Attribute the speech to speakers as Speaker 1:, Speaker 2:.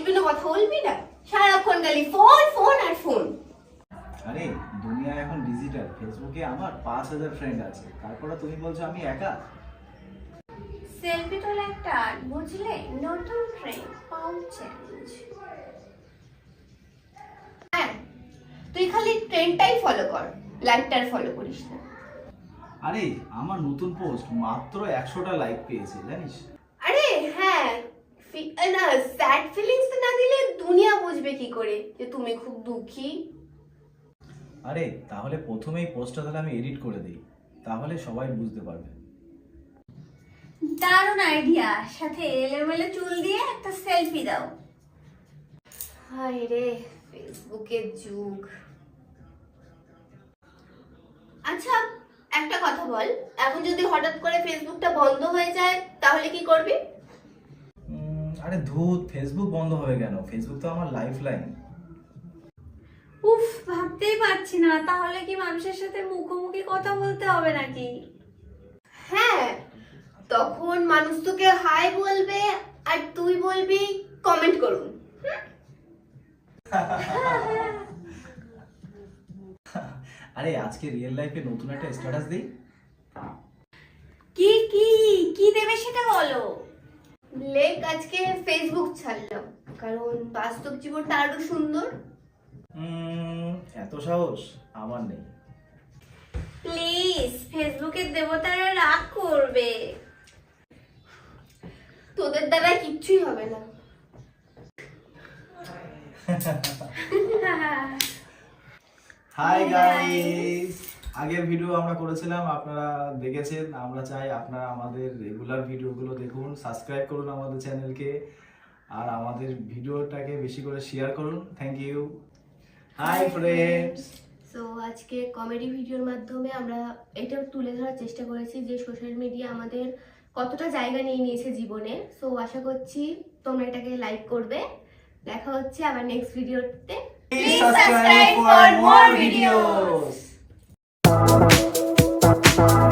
Speaker 1: গুরুত্বপূর্ণ কথা বলবি না, সারাক্ষণ খালি ফোন ফোন আর ফোন।
Speaker 2: আরে দুনিয়া এখন ডিজিটাল, ফেসবুকে আমার 5000 ফ্রেন্ড আছে, তারপরে তুমি বলছো আমি একা।
Speaker 1: সেলফি তোলা একটা আর্ট, বুঝলে? নতুন ট্রেন্ড, পাও চ্যালেঞ্জ। হ্যাঁ, তুই খালি ট্রেন্ডটাই ফলো কর, লাইকটার ফলো করিস না।
Speaker 2: আরে আমার নতুন পোস্ট মাত্র 100টা লাইক পেয়েছে জানিস?
Speaker 1: আরে হ্যাঁ, না স্যাড ফিলিংস না দিলে দুনিয়া বুঝবে কি করে যে তুমি খুব দুঃখী?
Speaker 2: আরে তাহলে প্রথমেই পোস্টটা তাহলে আমি এডিট করে দিই, তাহলে সবাই বুঝতে পারবে।
Speaker 1: দারুণ আইডিয়া, সাথে এলোমেলো চুল দিয়ে একটা সেলফি দাও। হায় রে ফেসবুকের যুগ। আচ্ছা একটা কথা বল, এখন যদি হঠাৎ করে ফেসবুকটা বন্ধ হয়ে যায় তাহলে কি করবি?
Speaker 2: আরে ধুত, ফেসবুক বন্ধ হবে কেন? ফেসবুক তো আমার লাইফ লাইন।
Speaker 1: উফ, ভাবতেই পারছি না, তাহলে কি মানুষের সাথে মুখোমুখি কথা বলতে হবে নাকি? হ্যাঁ, তখন মানুষ তোকে হাই বলবে আর তুই বলবি কমেন্ট করুন।
Speaker 2: আরে আজকে রিয়েল লাইফে নতুন একটা স্ট্যাটাস দেই।
Speaker 1: কি কি কি দেবে সেটা বলো। লেখ আজকে ফেসবুক ছাড়লাম, কারণ বাস্তব জীবনটা আরো সুন্দর।
Speaker 2: এত সাহস আমার নেই।
Speaker 1: প্লিজ, ফেসবুকের দেবতারা রাগ করবে। তোদের দ্বারা কিচ্ছুই হবে না।
Speaker 2: হাই গাইস, আগের ভিডিও আমরা করেছিলাম, আপনারা দেখেছেন। আমরা চাই আপনারা আমাদের রেগুলার ভিডিওগুলো দেখুন, সাবস্ক্রাইব করুন আমাদের চ্যানেলকে, আর আমাদের ভিডিওটাকে বেশি করে শেয়ার করুন। Thank you. Hi friends.
Speaker 1: So আজকে কমেডি ভিডিওর মাধ্যমে আমরা এটা তুলে ধরার চেষ্টা করেছি যে সোশ্যাল মিডিয়া আমাদের কতটা জায়গা নিয়ে নিয়েছে জীবনে। সো আশা করছি তোমরা এটাকে লাইক করবে। দেখা হচ্ছে আবার নেক্সট ভিডিওতে।
Speaker 2: Please subscribe for more videos.